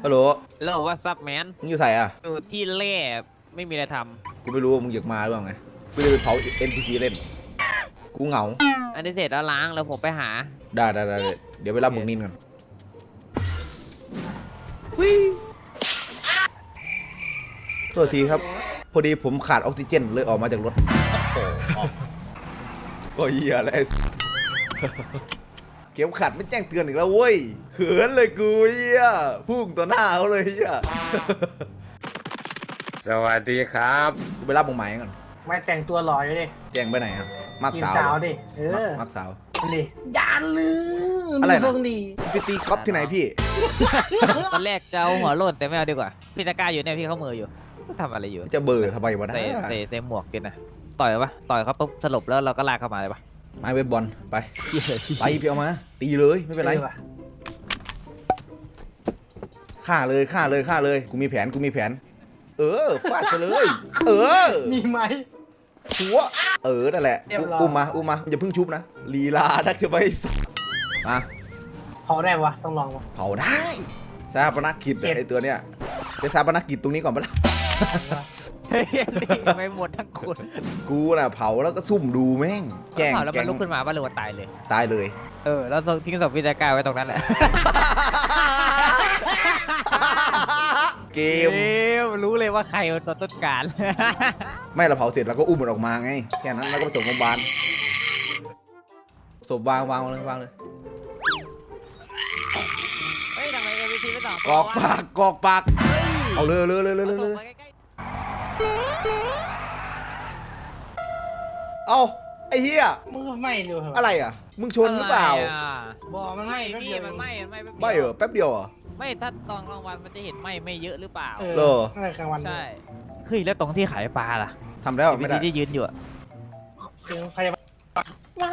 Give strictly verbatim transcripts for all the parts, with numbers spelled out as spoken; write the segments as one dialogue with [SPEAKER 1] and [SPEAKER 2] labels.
[SPEAKER 1] ฮัลโหล
[SPEAKER 2] แล้วว่าซับแมน
[SPEAKER 1] มึงอยู่ใส่อ่ะ
[SPEAKER 2] อยู่ที่แร่ไม่มีอะไรท
[SPEAKER 1] กูไม่รู้ว่ามึงอยากมาหรือเปล่าไงกูจะไปเผา เอ็น พี ซี เล่นกูเหงา
[SPEAKER 2] ำอันนี้เสร็จแล้วล้างแล้วผมไปหา
[SPEAKER 1] ได้ได้ได้เดี๋ยวไปรับมึงนินก่อนโทษทีครับพอดีผมขาดออกซิเจนเลยออกมาจากรถก็เหี้ยอะไรเข็มขัดไม่แจ้งเตือนอีกแล้วเว้ยเขินเลยกูเหี้ยพุ่งต่อหน้าเขาเลยเหี้ย
[SPEAKER 3] สวัสดีครับ
[SPEAKER 1] กูไปรับมึงใหม่ก่อน
[SPEAKER 4] ไม่แต่งตัวหล่ออยู่ดิ
[SPEAKER 1] แจ้งไปไหนครับมักสาว
[SPEAKER 4] สาวดิเออ
[SPEAKER 1] มักสาว
[SPEAKER 4] ดิยานลืม
[SPEAKER 1] อะไรนะ
[SPEAKER 4] ดี
[SPEAKER 1] ไปตีก๊อฟที่ไหนพี่
[SPEAKER 2] ตอนแรกจะเอาหัวโลดแต่ไม่เอาดีกว่าพี่ตะกร้าอยู่เนี่ยพี่เขามืออยู่ทำอะไรอยู่
[SPEAKER 1] จะเบอร์ทำไมวะนะ
[SPEAKER 2] เซเซเซหมวกกินนะต่อยปะต่อยเขาปุ๊บสลบแล้วเราก็ลากเข้ามาเลยปะ
[SPEAKER 1] ไม้เว็บบอลไปไปพี่เอามาตีเลยไม่เป็นไรฆ่าเลยฆ่าเลยฆ่าเลยกูมีแผนกูมีแผนเออฟาดไปเลยเออ
[SPEAKER 4] มีไหม
[SPEAKER 1] หัวเออนั่นแหละอุ้มมาอุ้มมาอย่าเพิ่งชุบนะลีลาดักจะไปมา
[SPEAKER 4] เผาได้ปะต้องลองปะ
[SPEAKER 1] เผาได้ซาปนักกิจไอตัวเนี้ยจะซาปนักกิจตรงนี้ก่อนปะล่ะ
[SPEAKER 2] ไม่หมดทั้งคน
[SPEAKER 1] กูน่ะเผาแล้วก็ซุ่มดูแม่งแกง
[SPEAKER 2] เผาแล้วมันลุกขึ้นมาป่ะหรือว่าตายเลย
[SPEAKER 1] ตายเลย
[SPEAKER 2] เออแล้วทิ้งศพพี่ตะกร้าไว้ตรงนั้นแหละ
[SPEAKER 1] เกม
[SPEAKER 2] รู้เลยว่าใครเป็นตัวต้นการ
[SPEAKER 1] ไม่เราเผาเสร็จเราก็อุ้มมันออกมาไงแค่นั้นแล้วก็ไปส่งโรงพยาบาลศพวางวางเลยวางเลย
[SPEAKER 2] เฮ้ยทำไมกันวิธีไม่ตอบ
[SPEAKER 1] กอกปากกอกปากเอาเลยเลยเลยเลยเลยเอาไอ้เหี้ย
[SPEAKER 4] มึงไม่ดูเหรอ
[SPEAKER 1] อะไรอ่ะมึงชนหรือเปล่า
[SPEAKER 4] บอกมันไม่
[SPEAKER 2] พี่มันไม่ไม่
[SPEAKER 1] ไม่เหรอแป๊บเดียวอ่ะ
[SPEAKER 2] ไม่ถ้าตอนกลางวันมันจะเห็นไม่ไม่เยอะหรือเปล่า
[SPEAKER 1] เหรอ
[SPEAKER 4] กลางวัน
[SPEAKER 2] ใช่เฮ้ยแล้วตรงที่ขายปลาล่ะ
[SPEAKER 1] ทำแล้วไม่ได้
[SPEAKER 2] ที่ยืนอยู่อะ
[SPEAKER 4] เสียงพยาบาลว้า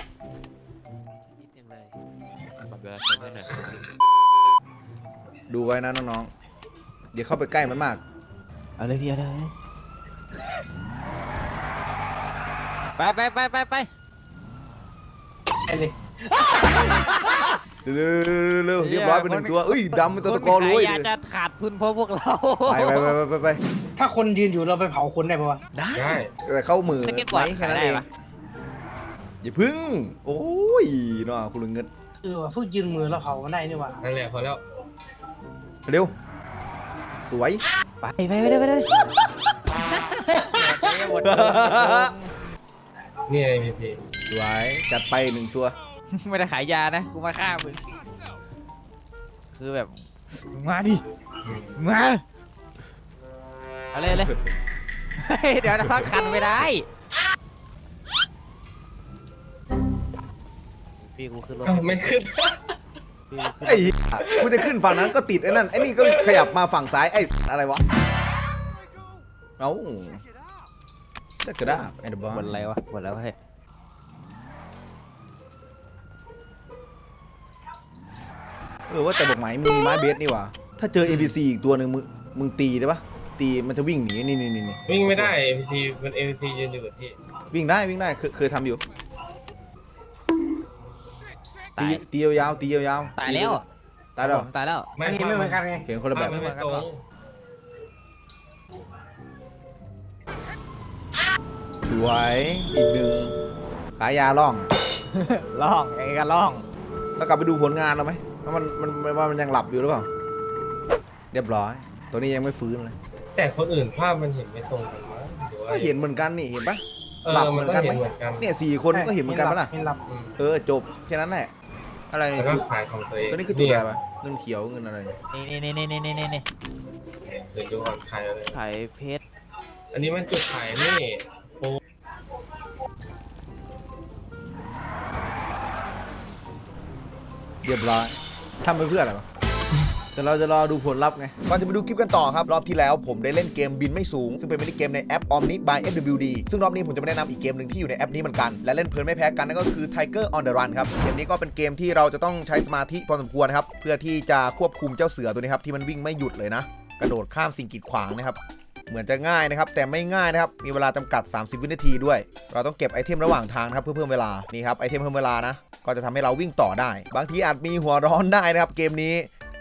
[SPEAKER 1] ดูไว้นะน้องๆอย่าเข้าไปใกล้มันมาก
[SPEAKER 2] อะไรพี่อะไรไปไปไปไปไป
[SPEAKER 4] ไปเลย
[SPEAKER 1] เร็วเร็วเรียบร้อยไปหนึ่งตัวเอ้ยดำเป็นตัวตะกอรวย
[SPEAKER 2] อยากจะขาดทุนเพราะพวกเรา
[SPEAKER 1] ไปไปไปไปไป
[SPEAKER 4] ถ้าคนยืนอยู่เราไปเผาคนได้ปะวะ
[SPEAKER 1] ได้แต่เข้ามือไหมแค่นั้นเองอย่าพึ่งโอ้ยน้องคุณลุงเงิน
[SPEAKER 4] เออว่ะเพิ่งยืนมือเราเผามันได้นี่วะ
[SPEAKER 3] นั่นแหละพอแล้ว
[SPEAKER 1] เร็วสวย
[SPEAKER 2] ไปไปไปไปเลย
[SPEAKER 3] นี่ไงพี่พี่
[SPEAKER 1] สวยจัดไปหนึ่งตัว
[SPEAKER 2] ไม่ได้ขายยานะกูมาฆ่ามึงคือแบบมาดิมาอะไรเลยเดี๋ยวนะพักคันไม่ได้พี่กูขึ้นรถ
[SPEAKER 3] ไม่ขึ้น
[SPEAKER 1] ไอ้กูจะขึ้นฝั่งนั้นก็ติดไอ้นั่นไอ้นี่ก็ขยับมาฝั่งซ้ายไอ้อะไรวะเอ้าจะกระด้างไอ้เดบอล
[SPEAKER 2] หมดอะไรวะหมดแล้วเฮ้ย
[SPEAKER 1] เออว่าแต่บอกไหมมึงมีไม้เบสนี่วะถ้าเจอ เอ็น พี ซี อีกตัวหนึ่งมึงมึงตีได้ปะตีมันจะวิ่งหนีนี่นี่นี่
[SPEAKER 3] วิ่งไม่ได้ เอ็ พี ซี มัน เอ็ พี ซี ยืนอยู่กับที่
[SPEAKER 1] วิ่งได้วิ่งได้เคยเคยทำอยู่ตีตียาวๆตียาว
[SPEAKER 2] ๆตายแล้ว
[SPEAKER 1] ตายแล้ว
[SPEAKER 2] ตายแล้ว
[SPEAKER 4] ไม่เห็นไม่เหมือนกันไง
[SPEAKER 1] เห็นคนละแบบสวยอีกหนึ่งขายาล่อง
[SPEAKER 2] ล่องไอ้กันล่อง
[SPEAKER 1] แล้วกลับไปดูผลงานเราไหมว่ามันมันว่ามันยังหลับอยู่หรือเปล่าเรียบร้อยตัวนี้ยังไม่ฟื้นเลย
[SPEAKER 3] แต่คนอื่นภาพมันเห็นไม่ตรงกัน
[SPEAKER 1] ก็เห็นเหมือนกันนี่เห็นปะหลับเหมือนกันไหมเนี่ยสี่คนก็เห็นเหมือนกันปะล่ะเออจบแค่นั้นแหละอะไร
[SPEAKER 3] แล้วก็ขายของตัวเอง
[SPEAKER 1] ตัวนี้คือจุดอะไรปะเงินเขียวเงินอะไร
[SPEAKER 2] นี่นี่นี่นี่นี่นี่นี่
[SPEAKER 3] เดี๋ยวดูก่อนขายอะไร
[SPEAKER 2] ขายเพชร
[SPEAKER 3] อันนี้มันจุดขายนี่โอ้
[SPEAKER 1] เรียบร้อยทำไปเพื่ออะไรวะแต่เราจะรอดูผลลัพธ์ไงก่อนจะไปดูคลิปกันต่อครับรอบที่แล้วผมได้เล่นเกมบินไม่สูงซึ่งเป็นมินิเกมในแอป Omni by เอฟ ดับเบิลยู ดี ซึ่งรอบนี้ผมจะมาแนะนำอีกเกมหนึ่งที่อยู่ในแอปนี้เหมือนกันและเล่นเพลินไม่แพ้กันนั่นก็คือ Tiger on the Run ครับเกมนี้ก็เป็นเกมที่เราจะต้องใช้สมาธิพอสมควรครับเพื่อที่จะควบคุมเจ้าเสือตัวนี้ครับที่มันวิ่งไม่หยุดเลยนะกระโดดข้ามสิ่งกีดขวางนะครับเหมือนจะง่ายนะครับแต่ไม่ง่ายนะครับมีเวลาจำกัดสามสิบวินาทีด้วยเราต้องเก็บไอเทมระหว่างทางครับเพื่อเพิ่มเวลานี่ครับไอเทมเพิ่มเวลานะก็จะทำให้เราวิ่งต่อได้บางทีอาจมีหัวร้อนได้นะครับเกมนี้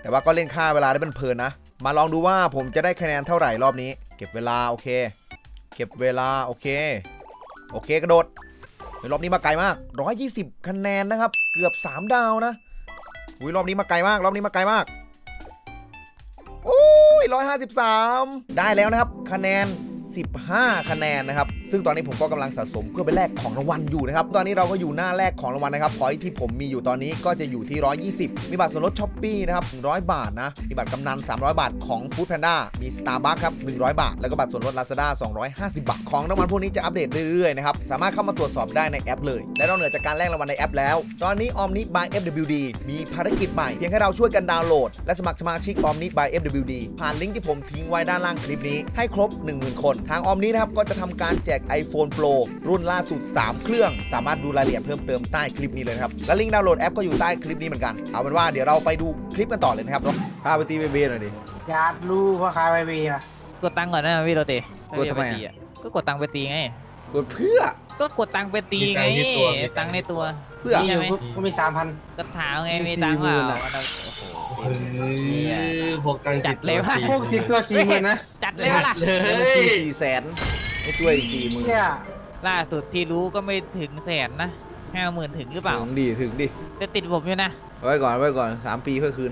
[SPEAKER 1] แต่ว่าก็เล่นค่าเวลาได้เพลินๆนะมาลองดูว่าผมจะได้คะแนนเท่าไหร่รอบนี้เก็บเวลาโอเคเก็บเวลาโอเคโอเคกระโดดรอบนี้มาไกลมากหนึ่งร้อยยี่สิบคะแนนนะครับเกือบสามดาวนะอุ้ยรอบนี้มาไกลมากรอบนี้มาไกลมากโอ้ยหนึ่งร้อยห้าสิบสามได้แล้วนะครับคะแนนสิบห้าคะแนนนะครับซึ่งตอนนี้ผมก็กำลังสะสมเพื่อไปแลกของรางวัลอยู่นะครับตอนนี้เราก็อยู่หน้าแลกของรางวัลนะครับพอยที่ผมมีอยู่ตอนนี้ก็จะอยู่ที่หนึ่งร้อยยี่สิบมีบัตรส่วนลดช้อปปี้นะครับหนึ่งร้อยบาทนะมีบัตรกำนันสามร้อยบาทของ Food Panda มี Starbucks ครับหนึ่งร้อยบาทแล้วก็บัตรส่วนลด Lazada สองร้อยห้าสิบบาทของรางวัลพวกนี้จะอัปเดตเรื่อยๆนะครับสามารถเข้ามาตรวจสอบได้ในแอปเลยและนอกเหนือจากการแลกรางวัลในแอปแล้วตอนนี้ Omni by เอฟ ดับเบิลยู ดี มีภารกิจใหม่เพียงแค่เราช่วยกันดาวน์โหลดและสมัครสมาชิก Omni by เอฟ ดับเบิลยู ดี ผ่านลิงก์ที่ผมทิ้งไว้ด้านล่างคลิปนี้ให้ครบ หนึ่งหมื่น คนทาง Omni นะครับก็จะทำการแจก iPhone Pro รุ่นล่าสุดสามเครื่องสามารถดูรายละเอียดเพิ่มเติมใต้คลิปนี้เลยครับและลิงก์ดาวน์โหลดแอปก็อยู่ใต้คลิปนี้เหมือนกันเอาเป็นว่าเดี๋ยวเราไปดูคลิปกันต่อเลยนะครับเนาะพาไปตีเบเบ้หน่อยดิ
[SPEAKER 4] อยากรู้พ่อค้าไปเบียร์
[SPEAKER 2] กดตังค์ก่อนนะพี่โรเต้
[SPEAKER 1] กดทำไมอะ
[SPEAKER 2] ตีอะก็กดตังค์ไปตีไง
[SPEAKER 1] กดเพื่อ
[SPEAKER 2] ก็กดตังค์ไปตีไงตังค์ในตัว
[SPEAKER 1] เพื่อ
[SPEAKER 4] มีอยู่ปุ๊บก็มีสามพัน
[SPEAKER 2] ก็ถามไงมีตังค์เปล่า
[SPEAKER 1] สี่หมื่นอะ
[SPEAKER 2] มันเอาโอ้โห
[SPEAKER 3] เฮ้ยพกตังค์
[SPEAKER 2] จัดเลยว่ะ
[SPEAKER 4] พวกติดตัวสี่หมื่นนะ
[SPEAKER 2] จัดเลยวะล่ะ
[SPEAKER 3] เล
[SPEAKER 1] แล้วมัน
[SPEAKER 3] ย
[SPEAKER 1] สี่สี่แสนไอ้ตัวอีกสี่หมื่น
[SPEAKER 4] เนี่ย
[SPEAKER 2] ล่าสุดที่รู้ก็ไม่ถึงแสนนะห้าหมื่นถึงหรือเปล่า
[SPEAKER 1] ถึงดิถึงดิ
[SPEAKER 2] จะติดผมอยู่นะ
[SPEAKER 1] ไว้ก่อนไว้ก่อนสามปีค่อยคืน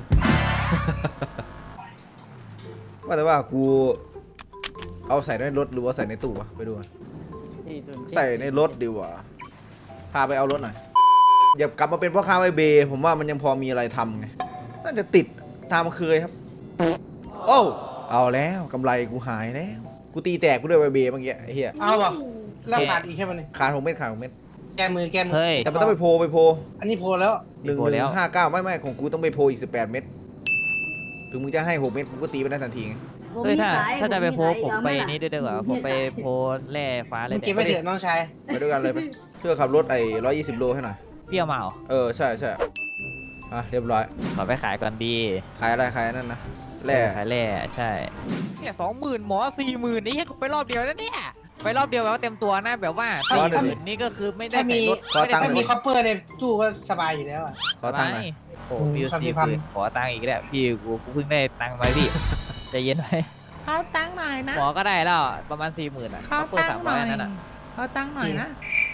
[SPEAKER 1] ว่าแต่ว่ากูเอาใส่ในรถหรือว่าใส่ในตู้วะไปดูกันใส่ในรถดีกว่าพาไปเอารถหน่อยอย่ากลับมาเป็นพ่อค้าไอเบย์ผมว่ามันยังพอมีอะไรทำไงน่าจะติดตามเคยครับโอ้เอาแล้วกำไรกูหายแล้วกูตีแตกกูด้วยไอเบย์เมื่อกี้ไอ้เหี้ย
[SPEAKER 4] เอาป่ะแล้วขาดอีกแค่มันนี่
[SPEAKER 1] ขาดหกเม็ดขาดหกเม็ด
[SPEAKER 4] แกมือแกมือ
[SPEAKER 2] เฮ้ย
[SPEAKER 1] แต่มันต้องไปโพลไปโพล
[SPEAKER 4] อันนี้โพลแล้ว
[SPEAKER 1] หนึ่ง
[SPEAKER 2] โพล
[SPEAKER 1] หนึ่
[SPEAKER 2] แล้ว
[SPEAKER 1] งห้าเก้าไม่ไม่ของกูต้องไปโพลอีกสิบแปดเม็ดถึงมึงจะให้หกเม็ดกูก็ตีไปได้ทันทีไง
[SPEAKER 2] เฮ้ยถ้าถ้าจะไปโพสผมไปนี้ด้วยดีกว่าผมไปโพสแร่ฟ้าเล
[SPEAKER 4] มึ
[SPEAKER 2] ย
[SPEAKER 4] งเก็บ
[SPEAKER 2] แต่
[SPEAKER 4] ไปเถอะน้องชาย
[SPEAKER 1] ไปด้วยกันเลยไปช่วยขับรถไอ้ร้อยยี่สิบโลให้หน่อย
[SPEAKER 2] เปรี้ยวเมา
[SPEAKER 1] เออใช่ใช่อ่ะเรียบร้อย
[SPEAKER 2] ขอไปขายก่อนดี
[SPEAKER 1] ขายอะไรขายนั่นนะแร่
[SPEAKER 2] ขายแร่ใช่เนี่ยสองหมื่นหมอสี่หมื่นนี่ไปรอบเดียวนะเนี่ยไปรอบเดียวแบบว่าเต็มตัวนะแบบว่าสี่หมื่นนี่ก็คือไม่ได้
[SPEAKER 4] ถ้ามี
[SPEAKER 2] ใส่รถไม่ได้
[SPEAKER 4] ถ้า
[SPEAKER 2] ใส่ร
[SPEAKER 4] มี
[SPEAKER 2] ถ
[SPEAKER 4] คอปเปอร์ในตู้ก็สบายอยู่แล้วอ่ะ
[SPEAKER 1] ขอตังค์หน่อย
[SPEAKER 2] โอ้พี่
[SPEAKER 4] สามสิ
[SPEAKER 2] สี่
[SPEAKER 4] บ
[SPEAKER 2] ห
[SPEAKER 4] พัน
[SPEAKER 2] มื่นขอตังค์อีกแล้วพี่กูกูเพิ่งได้ตังค์มาพี่ใจเย็นไว้
[SPEAKER 5] เอาตังค์หน่อยนะ
[SPEAKER 2] หมอก็ได้แล้วประมาณสี่หมื่นอ่ะ
[SPEAKER 5] ขอ
[SPEAKER 2] เปิด
[SPEAKER 5] ตั
[SPEAKER 2] สาง ม
[SPEAKER 5] ค์ห
[SPEAKER 2] ร้
[SPEAKER 5] น่
[SPEAKER 2] อ
[SPEAKER 5] อย ย
[SPEAKER 2] นั่นอ่ะ
[SPEAKER 5] เอาตังค์หน่อยนะ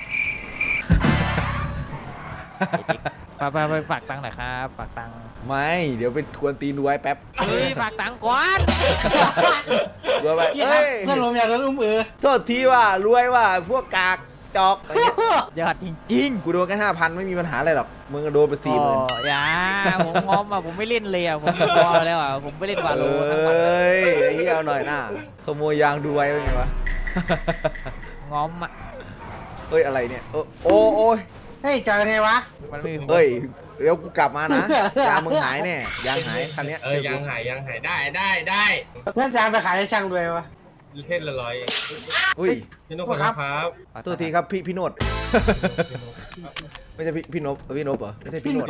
[SPEAKER 2] ไปไปไปฝากตังค์หน่อยครับฝากตังค์
[SPEAKER 1] ไม่เดี๋ยวไปทวนตีนดูไว้แป๊บ
[SPEAKER 2] เฮ้ยฝากตังค์ก่อน
[SPEAKER 1] รวยไป
[SPEAKER 4] พี่ครั
[SPEAKER 1] เอ้
[SPEAKER 4] บ
[SPEAKER 1] ย
[SPEAKER 4] เพื่อนผมอยากโดนอุ้มเออ
[SPEAKER 1] โทษทีว่ารวยว่ะพวกกากจอกอะไรเงี้ย
[SPEAKER 2] ยอดจริง
[SPEAKER 1] กูโดนแค่ห้าพันไม่มีปัญหาอะไรหรอกมึงก็โดนไป
[SPEAKER 2] ๆ
[SPEAKER 1] สี่หมื่น
[SPEAKER 2] โอ้อย่าผมงอมอ่ะผมไม่เล่นเลยอ่ะผมพอแล้วอ่ะผมไม่เล่นวา
[SPEAKER 1] เอ
[SPEAKER 2] โลทั้งวัน
[SPEAKER 1] ้ยไอ้เหี้ยเอาหน่อยหน้าขโมยยางดูไว้เป็นไงวะ
[SPEAKER 2] งอมอ่ะ
[SPEAKER 1] เอ้ยอะไรเนี่ยเออโอ้โอ้ย
[SPEAKER 4] เฮ้ยจอยไงวะ
[SPEAKER 2] มันไม่มี
[SPEAKER 1] เอ้ยเดี๋ยวกูกลับมานะยางมึงหายแน่ยางหายคันเนี้ย
[SPEAKER 3] เออยังหายยังหายได้ได้ได้
[SPEAKER 4] เพื่อนจางไปขายให้ช่างด้วยวะ
[SPEAKER 3] เส้นละร้อย
[SPEAKER 1] อุ้ย
[SPEAKER 3] พี่นุ๊กขอบคุณครับ
[SPEAKER 1] โทษทีครับพี่พี่โนด ไม่ใช่พี่พี่นบพี่นบเหรอไม่ใช่พี่โนด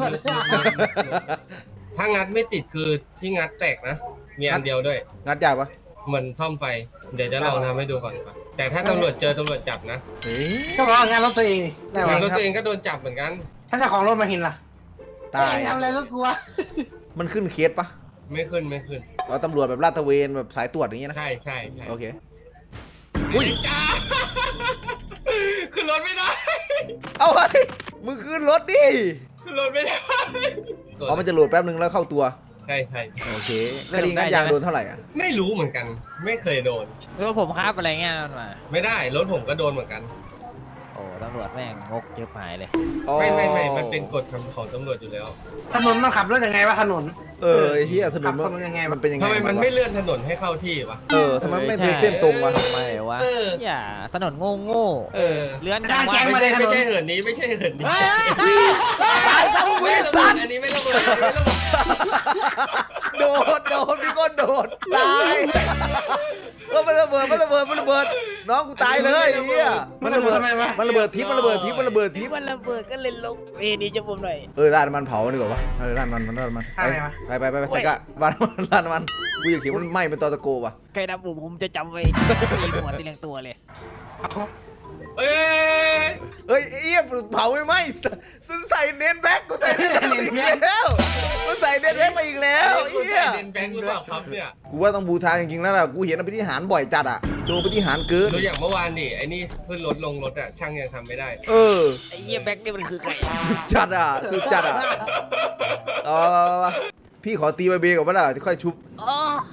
[SPEAKER 3] ถ้างัดไม่ติดคือที่งัดแตกนะ มีอันเดียวด้วย
[SPEAKER 1] งัดยากปะ
[SPEAKER 3] เหมือนซ่อมไฟ เดี๋ยวจะลองทำให้ดูก่อนครับแต่ถ้าตำรวจเจอตำรวจจับนะ
[SPEAKER 1] เฮ้ย
[SPEAKER 4] ก็บอกว่างานรถตัวเองนี่ได้
[SPEAKER 3] แต่
[SPEAKER 4] วะ
[SPEAKER 3] รถตัวเองก็โดนจับเหมือนกัน
[SPEAKER 4] ถ้าเจ้าของรถมาเห็นล่ะ
[SPEAKER 1] ตาย
[SPEAKER 4] เอ้ทำอะไรรถกูวะ
[SPEAKER 1] มันขึ้นเคสปะ
[SPEAKER 3] ไม่ขึ้นไม่ขึ้น
[SPEAKER 1] เราตำรวจแบบลาดตระเวนแบบสายตรวจอย่างเงี้ยนะ
[SPEAKER 3] ใช่ใช่ใช่
[SPEAKER 1] โอเค
[SPEAKER 3] อุ้ยจ้าขึ้นรถไม่ได้
[SPEAKER 1] เอาไปมึงขึ้นรถดิ
[SPEAKER 3] ขึ้นรถไม่ได้
[SPEAKER 1] อ๋อมันจะโหลดแป๊บนึงแล้วเข้าตัว
[SPEAKER 3] ใช่ใช่
[SPEAKER 1] โอเคคดีงัดยางโดนเท่าไหร่อ่ะ
[SPEAKER 3] ไม่รู้เหมือนกัน ไม่เคยโดน
[SPEAKER 2] แล้วผมครับอะไรเงี้ยมันมา
[SPEAKER 3] ไม่ได้รถผมก็โดนเหมือนกัน
[SPEAKER 2] โอ้ตำรวจแม่งงกเยอะหายเลย
[SPEAKER 1] อ๋อ
[SPEAKER 3] ไม่ไม่ไม่มันเป็นกฎของตำรวจอยู่แล้ว
[SPEAKER 4] ถนนมันขับรถยังไงวะถนน
[SPEAKER 1] เออไอ้เฮียถน
[SPEAKER 4] ขั
[SPEAKER 1] น
[SPEAKER 4] บ
[SPEAKER 1] มัน
[SPEAKER 4] ถนนยังไงวะ
[SPEAKER 1] มันเป็นยังไง
[SPEAKER 3] ทำไมมัน
[SPEAKER 1] วะ
[SPEAKER 3] ไม่เลื่อนถนนให้เข้าที่วะ
[SPEAKER 1] เออทำไมไม่เป็นเส้นตรงวะ
[SPEAKER 2] ทำไมวะ
[SPEAKER 3] เออ
[SPEAKER 2] อย่าถนนโง่โง่
[SPEAKER 3] เออ
[SPEAKER 2] เลื่อนจังวะ
[SPEAKER 3] ไม่ใช่ไม่ใช่เหินนี้ไม่ใช่เหินนี้
[SPEAKER 1] ตายซะมึงเวสัน
[SPEAKER 3] อันนี้ไม่ระเบิดอันนี้ไม่ระเบิด
[SPEAKER 1] โดดโดดมีคนโดดตายเออมันระเบิดมันระเบิดมันระเบิดน้องกูตายเลยไอ้เฮียมันระเบิดมันระเบิดทิพย์มันระเบิดทิพย์มันระเบิดทิ
[SPEAKER 2] ที่
[SPEAKER 1] พย์
[SPEAKER 2] มันระเบิดก็เลยลงเอ้นี่จะผมหน่อย
[SPEAKER 1] เออราดน้ำมันเผาดีกว่าวะเออราดน้ำมันมันราดน้ำมันไปไปไปไปใส่กะราดน้ำมันราดน้ำมันกูอยากเขียนมันไหม้เป็นตอตะโกว่ะ
[SPEAKER 2] ใครนับผมผมจะจำไว้ตีหัวตีแรงตัวเลย
[SPEAKER 3] เอ้ย
[SPEAKER 1] เฮ้ยไอ้เอี้ยเผาไม่ไหมใส่เน้นแบ็กกูใส่เน้นแบ็กอีกแล้วกูใส่เน้นแบ็กมาอีกแล้ว
[SPEAKER 3] ไอ้
[SPEAKER 1] ไอ้เอี้ย
[SPEAKER 3] เดนแบงค์หรือเปล่าครับเนี่ย
[SPEAKER 1] กูว่าต้องบูทาจริงๆแล้วล่ะกูเห็นอภิธิหารบ่อยจัดอะโชว์อภิธิหารเกิน
[SPEAKER 3] ดูอย่างเมื่อวานนี่ไอ้นี่ขึ้นรถลงรถอ่ะช่างยังทำไม่ได้
[SPEAKER 1] เออ
[SPEAKER 2] ไอ้เหี้ยแบ็คนี่มันคือใคร
[SPEAKER 1] สุดจัดอะสุดจัดอะเอามาพี่ขอตีใบเบก่อนว่าล่ะที่ค่อยชุบ
[SPEAKER 2] อ๋อ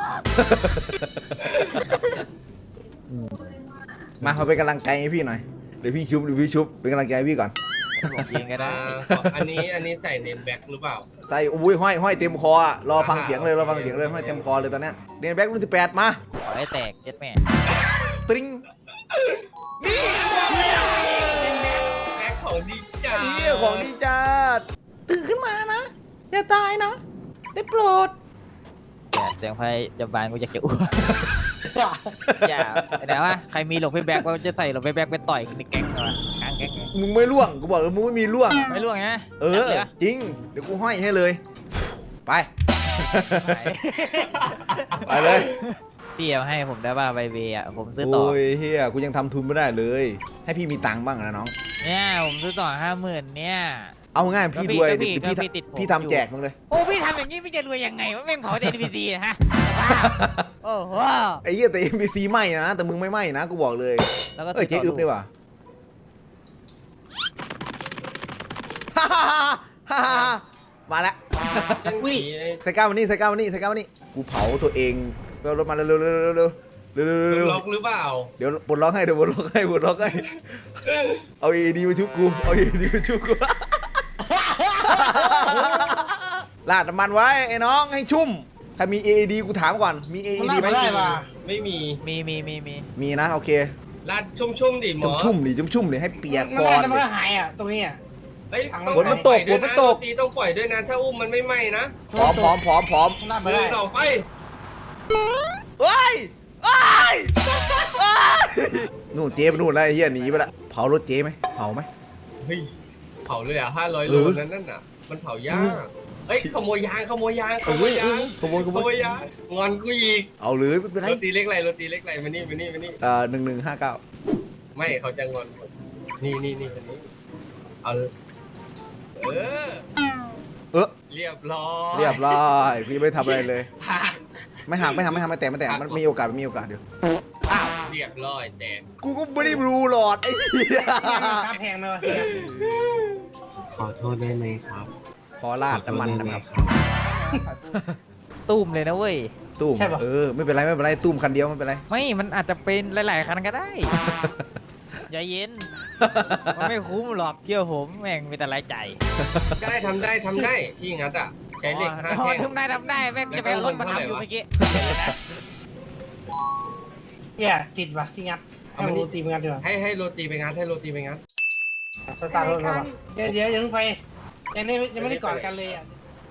[SPEAKER 1] มามาเป็นกำลังใจให้พี่หน่อยเดี๋ยวพี่ชุบเดี๋ยวพี่ชุบเป็นกำลังใจให้พี่ก่อน
[SPEAKER 2] บอกยิงก็ได้
[SPEAKER 3] อ่าขออันนี้อันนี้ใส่เนมแบ็กหรือเปล่า
[SPEAKER 1] ใส่อุ้ยห้อยห้อยเต็มคออะรอฟังเสียงเลยรอฟังเสียงเลยห้อยเต็มคอเลยตอนเนี้ยเดนแบ็กรุ่นที่แปดมา
[SPEAKER 2] ขอให้แตกเจ็ดแม่
[SPEAKER 1] ตริงนี่
[SPEAKER 3] แบ็กของดีจ้า
[SPEAKER 1] เฮียของดีจัดตื่นขึ้นมานะอย่าตายนะได้โปรด
[SPEAKER 2] อย่าเสียงไฟจะบานกูจะเขียวอย่าแต่ว่าใครมีหลบไปแบ็คก็จะใส่หลบไปแบ็คไปต่อยในแก๊งเหรอกลางแก๊งไง
[SPEAKER 1] มึงไม่ล่วงกูบอกแล้วมึงไม่มีล่วง
[SPEAKER 2] ไม่ล่วงนะ
[SPEAKER 1] เออจริงเดี๋ยวกูห้อยให้เลยไป ไปเลย
[SPEAKER 2] พี่เอาให้ผมได้ป่ะใบเบย์อ่ะผมซื้อต่อ
[SPEAKER 1] โอ้ยเฮียกูยังทำทุนไม่ได้เลย ให้พี่มีตังค์บ้างนะน้อง
[SPEAKER 2] เนี่ยผมซื้อต่อห้าหมื่นเนี่ย
[SPEAKER 1] เอาง่ายพี่รวย
[SPEAKER 2] ก็พี่
[SPEAKER 1] เดี๋ยวพี่
[SPEAKER 2] ก็พี่ติดผม
[SPEAKER 1] พี่ทำแจกมึงเลย
[SPEAKER 2] โอ้พี่ทำอย่างนี้พี่จะรวยยังไงวะแม่งเผาเดนพีซีนะฮะโอ้โห
[SPEAKER 1] ไอ้เหี้ยแต่ เอ็ม บี ซี ไหม้นะแต่มึงไม่ไหม้นะกูบอกเลย
[SPEAKER 2] แล้วก็
[SPEAKER 1] เอ้ยเจ๊อึ๊บดีว่ะฮ่าฮ่าฮ่าฮ่าฮ่ามาแล้ว
[SPEAKER 3] ช่างผีไอ้
[SPEAKER 1] ใส่ก้าวมานี่ใส่ก้าวมานี่ใส่ก้าวมานี่กูเผาตัวเองไปเอารถมาเร็วเร็วเร็วเร็วเร็วเร็วเร็วเร็วเร็ว
[SPEAKER 3] ล็อกหรือเปล่า
[SPEAKER 1] เดี๋ยวปลดล็อกให้เดี๋ยวปลดล็อกให้ปลดล็อกให้เอาเอดีมาชุบกูเอาเอดีมาชุบกูลาดน้ำมันไว้ไอ้น้องให้ชุ่มถ้ามี เอ ดี กูถามก่อนมี เอ ดี ไหม
[SPEAKER 4] ไม่ได้ว่ะ
[SPEAKER 3] ไม่มี
[SPEAKER 2] มีมีมีมี
[SPEAKER 1] มีนะโอเค
[SPEAKER 3] ลาดชุ่มๆดิหมอ
[SPEAKER 1] ชุ่มๆดิชุ่มๆดิให้เปียก
[SPEAKER 4] มัน
[SPEAKER 1] ก่อ
[SPEAKER 4] ได้
[SPEAKER 1] น
[SPEAKER 4] แต่มันก็หายอ่ะตรงนี้อ่ะ
[SPEAKER 3] เฮ้ยต้อง
[SPEAKER 1] ฝนมันตก
[SPEAKER 3] ปล่อยด้วย
[SPEAKER 1] ฝนมันตก
[SPEAKER 3] ะตีต้องปล่อยด้วยนะถ้าอุ้มมันไม่ไหม้นะ
[SPEAKER 1] พร้อมพร้อมพร้อมพร้อม
[SPEAKER 4] มันได้
[SPEAKER 3] มื
[SPEAKER 4] ไม่
[SPEAKER 3] อ
[SPEAKER 4] ได้
[SPEAKER 3] ต่อไป
[SPEAKER 1] เฮ้ยเฮ้ยเฮ้ยนู่นเจ๊ไปนู่นแล้วไอ้เหี้ยหนีไปละเผารถเจ๊ไหมเผาไหม
[SPEAKER 3] เฮ้ยเผาเลยอ่ะห้าร้อย
[SPEAKER 1] เอ
[SPEAKER 3] โล
[SPEAKER 1] อ
[SPEAKER 3] นั้นนั่นน่ะมันเผายากเอ้ยขโมยยางขโมยยางขโมยยาง
[SPEAKER 1] ขโมยข
[SPEAKER 3] ข
[SPEAKER 1] โม
[SPEAKER 3] โม
[SPEAKER 1] ย
[SPEAKER 3] ยยางงอนกูอีก
[SPEAKER 1] เอาเลยไม่เป็นไร
[SPEAKER 3] โรตีเล็กไรโรตีเล็กไรมานี่มานี่มานี่
[SPEAKER 1] เอ่อหนึ่งหนึ่งห้าเก้า
[SPEAKER 3] ไม่เขาจะงอนนี่นี่นี่อันนี้เอาเออ
[SPEAKER 1] เออ
[SPEAKER 3] เรียบร้อย
[SPEAKER 1] เรียบร้อยพี่ไม่ทำอะไรเลย
[SPEAKER 3] หัก
[SPEAKER 1] ไม่หักไม่หักไม่หักไม่แตะไม่แตะมันมีโอกาสมันมีโอกาสเดี๋ยว
[SPEAKER 3] อ้าวเรียบร้อยแตก
[SPEAKER 1] กูก็ไม่ได้รู้หลอดไอ้เหี้ย
[SPEAKER 4] ค่าแพงเลยวะ
[SPEAKER 3] ขอโทษได้ไหมครับ
[SPEAKER 1] ขอลาดน้ำมันนะครับ
[SPEAKER 2] ตุ้มเลยนะเว้ย
[SPEAKER 1] ตุ้มเออไม่เป็นไรไม่เป็นไรตุ้มคันเดียวไม่เป็นไร
[SPEAKER 2] ไม่มันอาจจะเป็นหลาย ๆ คันก็ได้ อย่าเย็น มันไม่คุ้มหรอกเชื่อผมแม่งมีแต่รายจ่าย
[SPEAKER 3] ได้ทำได้ทำได้ที่งัดอ่ะใช้เหล็กห้า
[SPEAKER 2] อ๋อ
[SPEAKER 3] แท่ง
[SPEAKER 2] ทำได้ทำได้แม่งจะไปเอารถมาทำอยู่เมื่อกี้
[SPEAKER 4] เนี่ยติดว่ะที่งัดให้มันตีมันงัดดีกว่า
[SPEAKER 3] ให้ให้โรตีไปงัดให้โรตีไปงัด
[SPEAKER 4] สตาร์ทรถมาว่ะเดี๋ยวเดี๋ยวยังไปยังไม่ยังไม่ได้กอดกันเลยอ่ะ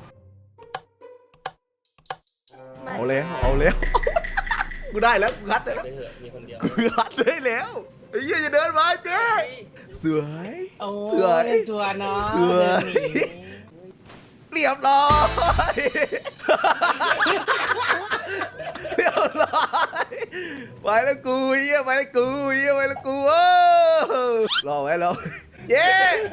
[SPEAKER 1] เอาแล้วเอาแล้วกูได้แล้วกูคัดได้แล้ว
[SPEAKER 3] ไปเถอะมีคนเดียว
[SPEAKER 1] กูคัดได้แล้วไอ้เหี้ยจะเดินมาเจ๊สวย
[SPEAKER 4] โอ้
[SPEAKER 1] เสือ
[SPEAKER 4] ยตัวเนาะ
[SPEAKER 1] เสือ
[SPEAKER 4] เดินหนี
[SPEAKER 1] เรียบร้อยเรียบร้อยไปแล้วกูเหี้ยไปแล้วกูเหี้ยไปแล้วกูโอ้รอไว้รอเย้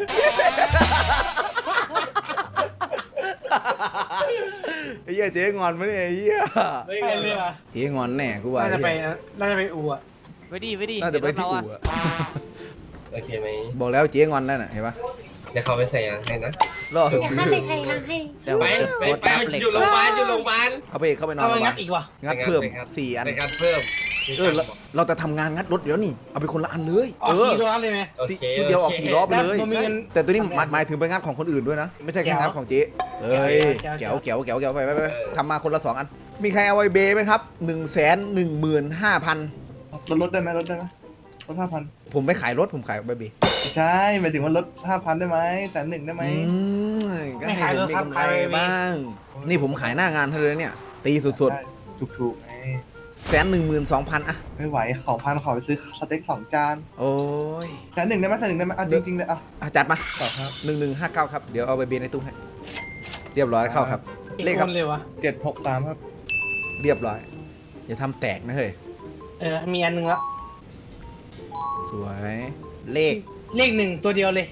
[SPEAKER 1] ไอ้เหี้ยเจ๊งอนไหมเนี่ยไอ้เหี้ย
[SPEAKER 3] ไม่
[SPEAKER 4] ไป
[SPEAKER 3] งั้น
[SPEAKER 4] เลยว่ะ
[SPEAKER 1] เจ๊งอนแน่กูว่า
[SPEAKER 4] น่าจะไป
[SPEAKER 1] เหี้ย
[SPEAKER 4] น่าจะไปอู่อ่ะ
[SPEAKER 2] ไปดิไปดิ
[SPEAKER 1] น่าจะไปที่
[SPEAKER 2] เดี๋ยว
[SPEAKER 1] อู่
[SPEAKER 2] เรา
[SPEAKER 1] อะ
[SPEAKER 3] โอเคไหม
[SPEAKER 1] บอกแล้วเจ๊งอนนั่นน่ะเห็นปะ
[SPEAKER 3] เดี๋ยวเขาไปใส่ยางให้นะ
[SPEAKER 1] รอ
[SPEAKER 5] อย่าข้าไปใครทางให้
[SPEAKER 2] เดี๋ยว
[SPEAKER 3] ไป
[SPEAKER 2] ผม
[SPEAKER 3] ไป
[SPEAKER 2] จะ
[SPEAKER 3] ไป
[SPEAKER 2] โพสต์อัพเหล็ก
[SPEAKER 3] อยู่โรงพยาบาลอยู่โรงพยาบาล
[SPEAKER 1] เข้าไปเข้าไปนอน
[SPEAKER 4] เอาไป
[SPEAKER 1] โรงพยา
[SPEAKER 4] งั
[SPEAKER 1] บา
[SPEAKER 4] ด
[SPEAKER 1] ล
[SPEAKER 4] อีกว่ะ
[SPEAKER 1] งัดเพิ่ม
[SPEAKER 3] ไปงัด
[SPEAKER 1] สี่อัน
[SPEAKER 3] ในการเพิ่ม
[SPEAKER 1] เออเราเราจะทำงานงัดรถเดี๋ยวนี่เอาไปคนละอันเลย
[SPEAKER 4] ออกสี่ล้อเลยไหม
[SPEAKER 3] โอ
[SPEAKER 1] สี่
[SPEAKER 3] เค
[SPEAKER 1] ชุดเดียวออก
[SPEAKER 3] โค
[SPEAKER 1] สี่ล้อไปเลย
[SPEAKER 4] แล้วมันมีเงิน
[SPEAKER 1] แต่ตัวนี้หมายหมายถึงไปงัดของคนอื่นด้วยนะ ไม่ใช่แค่งัดของเจ๊เอ้ย
[SPEAKER 4] แจ๋
[SPEAKER 1] แก้ว
[SPEAKER 4] ว
[SPEAKER 1] แก้วแก้วแก้วไปไปไปทำมาคนละสองอัน มีใครเอาไว้เบย์ไหมครับหนึ่งแสนหนึ่งหมื่นห้าพัน
[SPEAKER 6] ลดลดได้ไหมลดได้ไหมลดห้าพัน
[SPEAKER 1] ผมไม่ขายรถผมขายไว้เบย์
[SPEAKER 6] ใช่หมายถึงว่าลดห้าพันได้ไหมแสนหนึ่งได้ไหม
[SPEAKER 1] อืมก็ให้ผมมีกำไรบ้าง นี่ผมขายหน้างานเท่าเลยเนี่ย ตีสุด
[SPEAKER 6] ได้ถูกๆไง
[SPEAKER 1] ๆแสนหนึ่งหมื่นสองพันอะ
[SPEAKER 6] ไม่ไหวสองพันขอไปซื้อสเต็กสองจาน
[SPEAKER 1] โอ้ย
[SPEAKER 6] แสนหนึ่งได้ไหมแสนหนึ่งได้ไหมอ่ะจริงๆเลยอ่ะ
[SPEAKER 1] อ่ะจัดมา
[SPEAKER 6] ต่อครับ
[SPEAKER 1] หนึ่งหนึ่งห้าเก้าครับ เดี๋ยวเอาไปเบย์ในตู้ให้ เรียบร้อยเข้าครับ
[SPEAKER 4] อีก
[SPEAKER 1] เลข
[SPEAKER 4] ค
[SPEAKER 1] ครับ
[SPEAKER 4] นเลยวะ
[SPEAKER 6] เจ็ดหกสามครับ
[SPEAKER 1] เรียบร้อย อย่าทำแตกนะเฮ้ย
[SPEAKER 4] เออมีอันหนึงละ
[SPEAKER 1] สวย เลข
[SPEAKER 4] เลขหนึ่งตัวเดียวเลย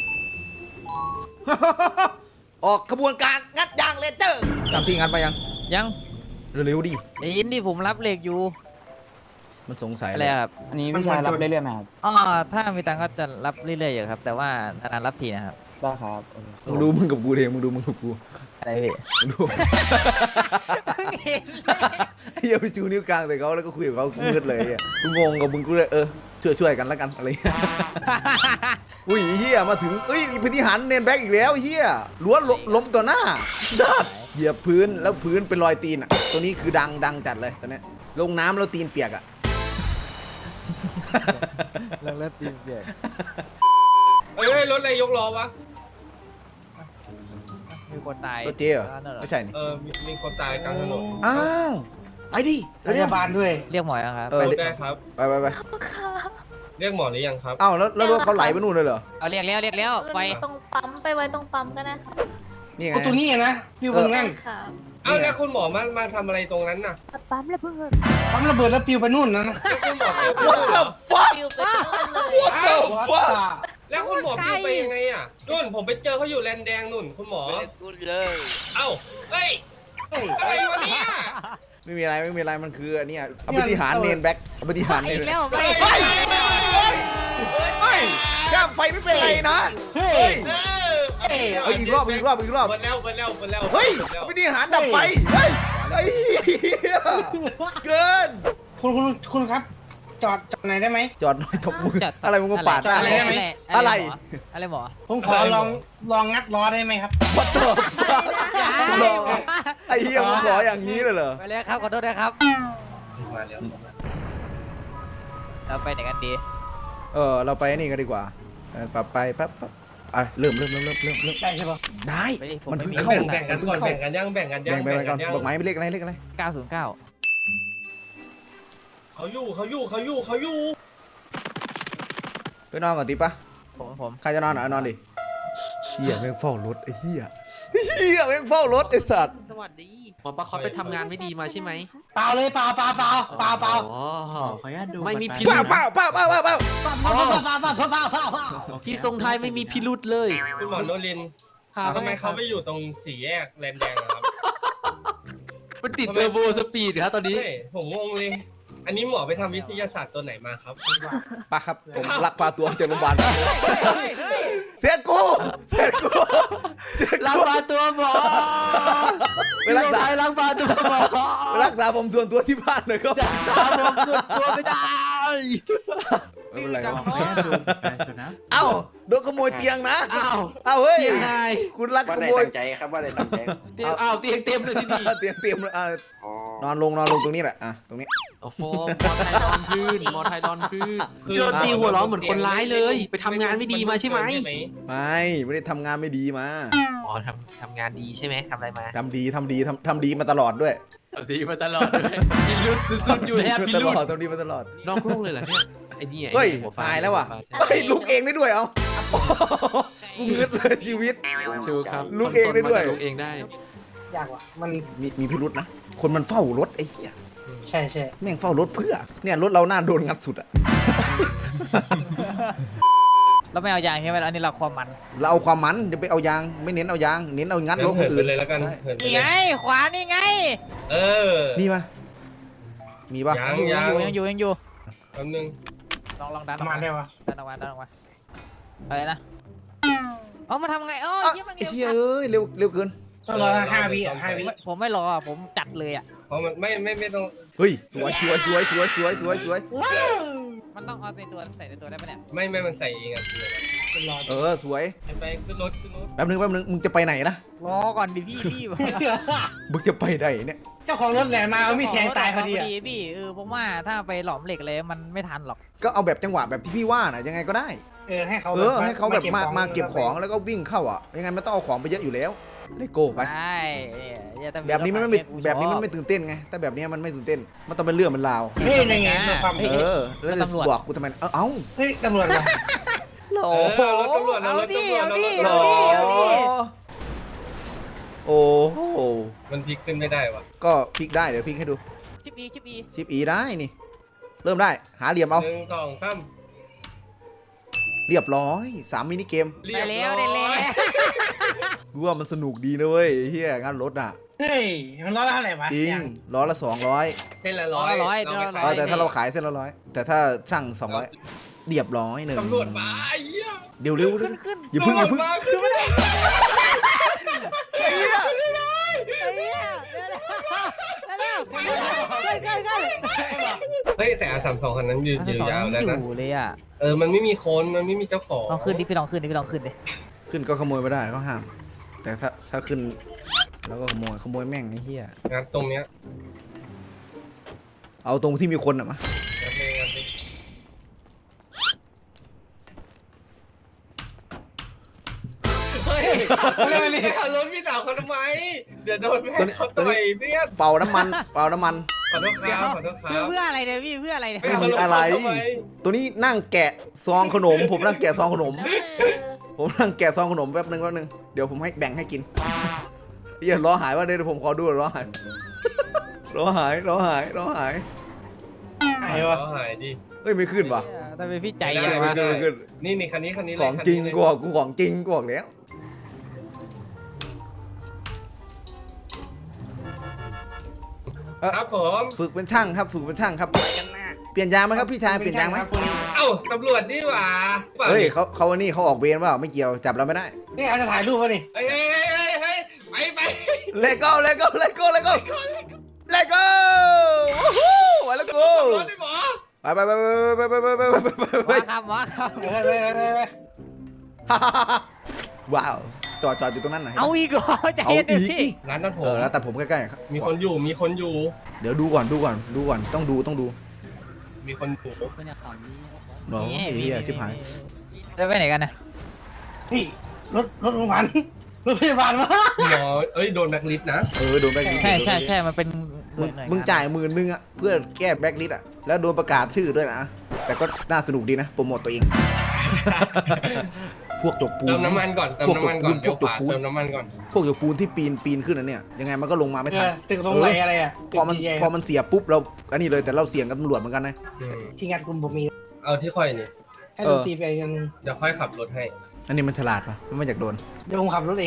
[SPEAKER 1] ออกขบวนการงัดยางเลเจอร์จำที่งัดไปยัง
[SPEAKER 2] ยัง
[SPEAKER 1] เร็วๆดิ
[SPEAKER 2] ได้ยินดิผมรับเหล็กอยู่
[SPEAKER 1] มันสงสัย
[SPEAKER 2] อะไรครับ
[SPEAKER 7] อันนี้พี่ชายรับเรื่อยๆไหมครับ
[SPEAKER 2] อ๋อถ้ามีตังค์ก็จะรับเรื่อยๆอยู่ครับ แต่ว่านานๆรับทีนะครับ
[SPEAKER 7] ได้ครับโอเค
[SPEAKER 1] มึงดูมึงกับกูเองมึงดูมึงกับกู
[SPEAKER 2] อะไรพี่
[SPEAKER 1] มึงดูไอ้เหี้ยไปชูนิ้วกลางใส่เขาแล้วก็คุยกับเขามืดเลยอ่ะกูงงกับมึงกูเลยเออช่วยช่วยกันแล้วกันอะไรเงี้ยอุ้ยเฮียมาถึงเอ้ยพิธีหันเนนแบ็กอีกแล้วเฮียล้วนล้มต่อหน้าดัดเหยียบพื้นแล้วพื้นเป็นรอยตีนอ่ะตัวนี้คือดังดังจัดเลยตัวเนี้ยลงน้ำแล้วตีนเปียกอ่ะ
[SPEAKER 2] เลิกเลิกตีนเปียก
[SPEAKER 3] เอ้ยรถอะไรยกล้อวะ
[SPEAKER 2] มีคนตาย
[SPEAKER 1] รถเจ๊เหรอ
[SPEAKER 2] นั่นเหรอ
[SPEAKER 1] ไม่ใช่นี่
[SPEAKER 3] เออมีมีคนตายกลางถนน
[SPEAKER 1] อ้าวไปดิ
[SPEAKER 4] พยาบาลด้วย
[SPEAKER 2] เรียกหมอยังครับ
[SPEAKER 1] เออ
[SPEAKER 3] ได้ครับ
[SPEAKER 1] ไปไปไป
[SPEAKER 3] เรียกหมอหรือยังครับ
[SPEAKER 1] อ้าวแล้วแล้วรถเขาไหลไปนู่นเลยเหรอ
[SPEAKER 2] เอาเรียกแล้วเรียกแล้วไป
[SPEAKER 8] ตรงปั๊มไปไว้ตรงปั๊มก็ได้ค่ะ
[SPEAKER 1] นี่ไง
[SPEAKER 4] เอาตัวนี้นะพี่เพิ่งนั่น
[SPEAKER 8] ค่ะ
[SPEAKER 3] เอ้าแล้วคุณหมอมามาทำอะไรตรงนั้นน่ะ
[SPEAKER 8] ปั๊มแล้วเพิ่ง
[SPEAKER 4] ปั๊มระเบิดแล้วปิวไปนู่นนะ
[SPEAKER 3] แล้วคุณหมอปิวไป
[SPEAKER 1] What
[SPEAKER 3] ด้วยเหร
[SPEAKER 1] the
[SPEAKER 3] อ
[SPEAKER 1] fuck
[SPEAKER 8] ปิวไปนู่นเลย
[SPEAKER 1] What the
[SPEAKER 4] วัด
[SPEAKER 1] fuck
[SPEAKER 4] ตา
[SPEAKER 3] แล้วคุณหมอปิวไปยังไงอ่ะนู่นผมไปเจอเขาอยู่แลนแดงนู่นคุณหมอเอ้าเฮ้ยอะไรวะเนี่ย
[SPEAKER 1] ไม่มีอะไรไม่มีอะไรมันคืออันเนี้ยเอาปฏิหารเนนแบ็กเอาปฏิหารเน
[SPEAKER 2] อี
[SPEAKER 1] น
[SPEAKER 2] กแล้วไป
[SPEAKER 1] เฮ้ยเฮ้ยเฮ้ยย่างไฟไม่เป็นไรนะ
[SPEAKER 4] เฮ้
[SPEAKER 1] เฮ้
[SPEAKER 4] ย
[SPEAKER 1] ย
[SPEAKER 3] เออ
[SPEAKER 4] เฮ้ย
[SPEAKER 1] เฮ้ยอีกรอบอีกรอบอีกรอบ
[SPEAKER 3] หมดแล้วหมดแล้วหมดแล้ว
[SPEAKER 1] เฮ้ย
[SPEAKER 3] หมดแล้ว
[SPEAKER 1] เอาปฏิหารดับไฟเฮ้ยไอ้เหี้ยเกิน
[SPEAKER 4] คุณคุณคุณครับ จอดจอดไหนได้ไหม
[SPEAKER 1] จอดหน่อยตบมืออะไรมึงมาปาดหน้า
[SPEAKER 4] อะไรได้ไหม
[SPEAKER 1] อะไร
[SPEAKER 2] อะไรหมอ
[SPEAKER 4] ผมขอลองลองงัดล้อได้ไหมครับ
[SPEAKER 1] วัดตัวไอ้เหี้ยมึงขออย่างนี้เลยเหรอ
[SPEAKER 2] ไปเลยครับขอโทษนะครับ
[SPEAKER 3] มาแล้ว
[SPEAKER 2] เราไปไหนกันดี
[SPEAKER 1] เออเราไปนี่กันดีกว่าเออปรับไปปั๊บปั๊บอ่ะเริ่มเริ่มเริ่มเริ่มเริ่มเริ่ม
[SPEAKER 4] ได้ใช่ปะ
[SPEAKER 1] ได้
[SPEAKER 2] ไปดิผม
[SPEAKER 1] มัน
[SPEAKER 2] ไม่
[SPEAKER 1] เพิ่ง
[SPEAKER 2] มี
[SPEAKER 1] เข้า
[SPEAKER 3] แบ่งแบ่งกันก่อนแบ่งกันยังแบ่งกันยัง
[SPEAKER 1] แบ่งไปไปก่อน
[SPEAKER 3] ยัง
[SPEAKER 1] บอกไม้ไม่เลขอะไรเลขอะไร
[SPEAKER 2] เก้าศูนย์เก้า
[SPEAKER 3] เขาอยู่เขาอยู่เขาอยู่เขาอยู่
[SPEAKER 1] ไปนอนก่อนติปะ
[SPEAKER 2] ผมผม
[SPEAKER 1] ใครจะนอนอ่ะนอนดิเฮียแม่งเฝ้ารถไอ้เฮียเฮียแม่งเฝ้ารถไอ้สัตว์
[SPEAKER 9] สวัสดีหมอปลาคอสไปทำงานไม่ดีมาใช่ไหม
[SPEAKER 4] เปล่าเลยเปล่าเปล่าเปล่าเปล่าเปล่า
[SPEAKER 9] อ๋อ
[SPEAKER 7] ขออนุญาตดู
[SPEAKER 9] ไม่มีพิ
[SPEAKER 1] เป
[SPEAKER 9] รุ
[SPEAKER 1] ล่า
[SPEAKER 9] ธ
[SPEAKER 1] เปล่าเปล่าเปล่าเปล่าเปล่า
[SPEAKER 4] เปล่าเปล่าเปล่าเปล่าเปล่าเปล่าเปล่า
[SPEAKER 9] พี่ทรงไทยไม่มีพิรุธเลย
[SPEAKER 3] คุณหมอโนรินทร์
[SPEAKER 9] ครับ
[SPEAKER 3] ทำไมเขาไปอยู่ตรงสี่แยกแลนแดงอะครับ
[SPEAKER 9] มันติดเทอร์โบสปีดครับตอนนี้
[SPEAKER 3] เฮ้ยผมงงเลย อันนี้หมอไปทำวิทยาศาสตร์ตัวไหนมาครับ
[SPEAKER 1] ปะครับผมลักพาตัวจากโรงพยาบาลเสียกูเสียกูเสีย
[SPEAKER 9] ลัง
[SPEAKER 1] กู
[SPEAKER 9] พาตัวหมอ
[SPEAKER 1] ไปรักษา
[SPEAKER 9] พี่ทงไทยลังพาตัวหมอ
[SPEAKER 1] ไปรักษาผมส่วนตัวที่บ้านเลยครับ
[SPEAKER 9] สามผมสุดตัวไม่ได้
[SPEAKER 1] ไม่เป็นไร
[SPEAKER 2] จั
[SPEAKER 1] วะ
[SPEAKER 2] งหวะ
[SPEAKER 1] เอ้าโดนขโมยเตียงนะ
[SPEAKER 9] อ้าว
[SPEAKER 1] เอ้าเฮ้ย
[SPEAKER 9] เตียงไง
[SPEAKER 1] คุณรัก
[SPEAKER 10] ว่า
[SPEAKER 1] ข
[SPEAKER 10] ได้
[SPEAKER 1] โมย
[SPEAKER 10] ตั้งใจครับว่าได้ตั้งใจ
[SPEAKER 9] เตียงอ้าวเตียงเต็มเลยที่นี่
[SPEAKER 1] เตียงเตรียมเลยอ่ะ
[SPEAKER 10] อ๋อ
[SPEAKER 1] นอนลงนอนลงตรงนี้แหละอ่ะตรงนี้
[SPEAKER 9] โอ้โหมอไทยนอนพื้นมอไทยนอนพื้น
[SPEAKER 3] คือ
[SPEAKER 9] พี่โดนตีหัวเร้อนเหมือนคนร้ายเลย ไปทำงานไม่ดีมาใช่ไหม
[SPEAKER 1] ไม่ไม่ได้ทำงานไม่ดีมา
[SPEAKER 9] อ๋อทำทำงานดีใช่ไหมทำอะไรมา
[SPEAKER 1] ทำดีทำดีทำทำดีมาตลอดด้วย
[SPEAKER 9] ทำดีมาตลอดเลยพิรุษสุดๆอยู่แฮป
[SPEAKER 1] ทำ
[SPEAKER 9] พิ
[SPEAKER 1] ดี
[SPEAKER 9] รุ
[SPEAKER 1] มา
[SPEAKER 9] ษ
[SPEAKER 1] ตลอดทำดีมาตลอด
[SPEAKER 9] นอกโลกเลยเหรอเนี่ยไอ้นี่ไอ้
[SPEAKER 1] เฮ้ย
[SPEAKER 9] หัวฟ้า
[SPEAKER 1] ตายแล้วว่ะ
[SPEAKER 9] ใช่
[SPEAKER 1] เฮ้ยลุกเองได้ด้วยเอ้ากูงึดเลยชีวิต
[SPEAKER 9] ชูครับ
[SPEAKER 1] ลุกเองได้ด้วย
[SPEAKER 9] ลุกเองได้
[SPEAKER 4] ยากว่ะมัน
[SPEAKER 1] มีมีพิรุษนะ คนมันเฝ้ารถไอ้เหี้ย
[SPEAKER 4] ใช่ใช่
[SPEAKER 1] แม่งเฝ้ารถเพื่อ เนี่ยรถเราหน้าโดนงัดสุดอะ
[SPEAKER 2] เราไม่เอายางใช่ไหมอันนี้เราความมัน
[SPEAKER 1] เราเอาความมันจะไปเอายางไม่เน้นเอายาง เน้นเอางัดรถค
[SPEAKER 3] เหิ
[SPEAKER 1] น
[SPEAKER 3] น
[SPEAKER 1] อื่
[SPEAKER 3] ไป
[SPEAKER 1] น
[SPEAKER 3] เลยแล้วกัน
[SPEAKER 1] ใช่
[SPEAKER 3] เหินไป
[SPEAKER 2] นี่
[SPEAKER 3] เล
[SPEAKER 2] ไง
[SPEAKER 3] ย
[SPEAKER 2] ขวานี่ไง
[SPEAKER 3] เออ
[SPEAKER 1] นี่ปะมีปะ
[SPEAKER 3] ยัง
[SPEAKER 2] อยู่
[SPEAKER 3] ยั
[SPEAKER 2] ยัง งอยู่ยังอยู่
[SPEAKER 3] แป๊บนึง
[SPEAKER 2] ลองลองดันอ
[SPEAKER 4] ป
[SPEAKER 2] อก
[SPEAKER 4] ระมา
[SPEAKER 2] มา
[SPEAKER 4] ณได้ปะ
[SPEAKER 2] ดันออกมาดันออกมาอะไรนะเอามาทำไงเออ
[SPEAKER 1] อ่ะ
[SPEAKER 2] เยี่ยม
[SPEAKER 1] ไอ้
[SPEAKER 2] เร็ว
[SPEAKER 1] เหี้ยเอ้ยเร็วเร็วเกิน
[SPEAKER 4] ต้องรอห้าวิอ่ะห้าวิ
[SPEAKER 2] ผมไม่รอผมจัดเลยอ่ะ
[SPEAKER 3] เพราะมันไม่ไม่ไม่ต้อง
[SPEAKER 1] เฮ้ยสวยสวยสวยสวยสวยสวยสวย
[SPEAKER 2] มันต้องเอาในตัวใส่ในตัวได้ปะเนี่ย
[SPEAKER 3] ไม่ไม่มันใส่เองอ่ะ
[SPEAKER 4] เป็นรอ
[SPEAKER 1] เออสวย
[SPEAKER 3] ไปขึ้นรถขึ้นรถ
[SPEAKER 1] แป๊บนึงแป๊บนึงมึงจะไปไหนนะ
[SPEAKER 2] รอก่อนดิพี่พี่
[SPEAKER 1] มึงจะไปไหนเนี่ย
[SPEAKER 4] เจ้าของรถแหลมมาเอามีดแทงตายพอดีอ่ะ
[SPEAKER 2] พี่เออผมว่าถ้าไปหลอมเหล็กเลยมันไม่ทันหรอก
[SPEAKER 1] ก็เอาแบบจังหวะแบบที่พี่ว่าน่ะยังไงก็ได้
[SPEAKER 4] เออให้เขา
[SPEAKER 1] เออให้เขาแบบมามาเก็บของแล้วก็วิ่งเข้าอ่ะยังไงมันต้องเอาของไปเยอะอยู่แล้วเลโก้ไป
[SPEAKER 2] ใช่เนี่ยแต่
[SPEAKER 1] แบบนี้มันไม่แบบนี้มันไม่ตื่นเต้นไงแต่แบบนี้มันไม่ตื่นเต้นมันต้องเป็นเรื่องเป็นราว
[SPEAKER 4] เฮ้ยยังไงตัวความ
[SPEAKER 1] เออแล้วจะบอกกูทำไมเออเอ้า
[SPEAKER 4] เฮ้ยตำรวจมา
[SPEAKER 1] โหล
[SPEAKER 3] เออรถตำรวจนะรถตำรวจนะรถ
[SPEAKER 1] โหล
[SPEAKER 3] ตำรวจ
[SPEAKER 1] โอ้โห
[SPEAKER 3] มันพลิกขึ้นไม่ได้วะ
[SPEAKER 1] ก็พลิกได้เดี๋ยวพลิกให้ดู
[SPEAKER 2] ชิปอีชิปอี
[SPEAKER 1] ชิปอีได้นี่ เริ่มได้หาเหลี่ยมเอา
[SPEAKER 3] หนึ่งสองสาม
[SPEAKER 1] เรียบร้อยสามมินิเกม
[SPEAKER 3] เรี
[SPEAKER 2] ไป
[SPEAKER 3] ยบ
[SPEAKER 2] แล้ว
[SPEAKER 3] ร้
[SPEAKER 2] ได้
[SPEAKER 3] อ
[SPEAKER 2] แล้ว
[SPEAKER 3] ย
[SPEAKER 1] กูว่ามันสนุกดีนะเว้ยไอ้เฮียงานรถอ่ะ
[SPEAKER 4] เฮ้ยมันร้อยละเท่าไหร่วะ
[SPEAKER 1] จริงล้อละสองร้อย
[SPEAKER 3] เส้นละร้อย
[SPEAKER 2] ร้อย
[SPEAKER 3] เาไป
[SPEAKER 2] ร้อย
[SPEAKER 1] เอ
[SPEAKER 3] ขา
[SPEAKER 1] อย แต่ถ้าเราขายเส้นละร้อยแต่ถ้าช่างสองร้อยเรียบร้อยหนึ่ง
[SPEAKER 3] ตำรวจมาไอ้เหี้ย
[SPEAKER 1] เดี๋ยวเร็วเร็วอย่าเพึ่งอย่าเพึ่ง
[SPEAKER 3] ตำรวจมาขึ้นไม่ได้ เฮ้ยแต่อาสามสองคันนั้นยืน
[SPEAKER 2] ทั้งสอง
[SPEAKER 3] ยาวๆแล้ว
[SPEAKER 2] อ
[SPEAKER 3] นะ
[SPEAKER 2] ยู่เลยอ่ะ
[SPEAKER 3] เออมันไม่มีคนมันไม่มีเจ้าของ
[SPEAKER 2] ลองขึ้นดิพี่ลองขึ้นดิพี่ลองขึ้นดิ
[SPEAKER 1] ขึ้นก็ขโมยไม่ได้ก็ห้าม แต่ถ้าถ้าขึ้นแล้วก็ขโมยขโมยแม่งไอ้เหี้ย
[SPEAKER 3] งัดตรงเนี้ย
[SPEAKER 1] เอาตรงที่มีคนอ่ะมา
[SPEAKER 3] งัดเลยงัดเลยเฮ้ยเรื่องนี้ขับรถพี่สาวเขาทำไมเดี๋ยวโดนแม่เขาต่อยเพื่อน
[SPEAKER 1] เป่าน้ำมัน เป่าน้ำมัน
[SPEAKER 3] ขอโทษครับขอโทษครับ
[SPEAKER 2] เพื่ออะไรเนี่ยพี่เพื่ออะไรเนี่ย
[SPEAKER 1] ไม่มีอะไร ตัวนี้นั่งแกะซองขนม ผมนั่งแกะซองขนม ผมนั่งแกะซองขนมแป๊บนึงแป๊บนึงเดี๋ยวผมให้แบ่งให้กินเหี้ยล้อหายว่าเดี๋ยวผมขอดูล้อหายล้อหายล้อหายล้อหาย
[SPEAKER 4] ไหนวะ
[SPEAKER 3] เอาหายดิ
[SPEAKER 1] เฮ้ยไม่ขึ้นว่ะ
[SPEAKER 2] ทำไมพี่ใจ
[SPEAKER 3] ไม่
[SPEAKER 2] เย็
[SPEAKER 3] ได้
[SPEAKER 2] น
[SPEAKER 1] ไม่
[SPEAKER 2] วะ
[SPEAKER 1] ขึ้นไม่ขึ้น
[SPEAKER 3] นี่นี่คันนี้คันนี้เลย
[SPEAKER 1] ของจริง
[SPEAKER 3] คันนี้
[SPEAKER 1] กู
[SPEAKER 3] เลย
[SPEAKER 1] บอกกูของจริงกูบอกแล้ว
[SPEAKER 3] ครับผม
[SPEAKER 1] ฝึกเป็นช่างครับฝึกเป็นช่างครับเปลี่ยนยางไหมครับพี่ชายเปลี่ยนยางไหม
[SPEAKER 3] เอ้าตำรวจนี่หว่า
[SPEAKER 1] เฮ้ยเขาเขาวันนี้เขาออกเวรเปล่าไม่เกี่ยวจับเราไม่ได้
[SPEAKER 4] นี่เขาจะถ่ายรูปวะนี่
[SPEAKER 3] เฮ้ยเฮ้ยเฮ้ยเฮ้ยเฮ้ยไปไป
[SPEAKER 1] เลโก้เลโก้เลโก้เลโก้เลโก้วู้ฮู้ไปแล้วกู
[SPEAKER 3] รถเลยหมอ
[SPEAKER 1] ไปไปไปไปไปไปไปไปไปไป
[SPEAKER 2] ว้าครับว้าครับ
[SPEAKER 4] เฮ้ยเฮ้ยเฮ้ยเฮ้ยเฮ้ย
[SPEAKER 1] ว้าวจอดจอดอยู่ตรงนั้นหน่อย
[SPEAKER 2] เอาอีกเหรอใจ
[SPEAKER 1] เอา
[SPEAKER 2] เย็นดิ
[SPEAKER 1] อีก
[SPEAKER 2] พี่
[SPEAKER 1] ดิ
[SPEAKER 3] ร้านตัดผม
[SPEAKER 1] เออแล้วแต่ผมใกล้ๆครับ
[SPEAKER 3] มีคนอยู่มีคนอยู่
[SPEAKER 1] เดี๋ยวดูก่อนดูก่อนดูก่อนต้องดูต้องดู
[SPEAKER 3] มีคนอยู่
[SPEAKER 1] เนาะไอ้เหี้ยชิบหาย
[SPEAKER 2] จะไปไหนกันนะ
[SPEAKER 4] นี่รถรถโรงพยาบาลรถพยาบาลมา
[SPEAKER 3] หมอเอ้ยโดนแบล็คลิสต์นะ
[SPEAKER 1] เออโดนแบล็คลิสต์
[SPEAKER 2] ใช่ใช่ใช่มันเป็นห
[SPEAKER 1] มึ
[SPEAKER 2] น่ว
[SPEAKER 1] ง
[SPEAKER 2] ยหน่วย
[SPEAKER 1] มึง
[SPEAKER 2] น
[SPEAKER 1] จ่ายหมื่นนึงอะเพื่อแก้แบล็คลิสต์อะแล้วโดนประกาศชื่อด้วยนะแต่ก็น่าสนุกดีนะโปรโมตตัวเอง พวกจกปูน
[SPEAKER 3] เติมน้ำมันก่อนเติมน้ำมันก่อน
[SPEAKER 1] พ
[SPEAKER 3] เดี๋
[SPEAKER 1] ว
[SPEAKER 3] ยว
[SPEAKER 1] กจก
[SPEAKER 3] ขวา
[SPEAKER 1] ปูน
[SPEAKER 3] เติมน้ำมันก่อน
[SPEAKER 1] พวกจกปูนที่ปีนปีนขึ้นอันเนี้ยยังไงมันก็ลงมาไม่
[SPEAKER 4] เอ
[SPEAKER 1] ทัน
[SPEAKER 4] อตึกตรงไหนอะไรอ่ะ
[SPEAKER 1] พอมัน
[SPEAKER 4] ตึกใหญ่ๆ
[SPEAKER 1] พอมันเสียปุ๊บเราอันนี้เลยแต่เราเสี่ยงกับตำรวจเหมือนกันนะ
[SPEAKER 3] อืม
[SPEAKER 4] ที่งานคุณผมมี
[SPEAKER 3] เอาที่ค่อยนี่
[SPEAKER 4] ให้ดนตรีไปยัง
[SPEAKER 3] เดี๋ยวค่อยขับรถให้
[SPEAKER 1] อันนี้มันฉลาดปะมันไม่อยากโดน
[SPEAKER 4] เดี๋ยวผมขับรถเอง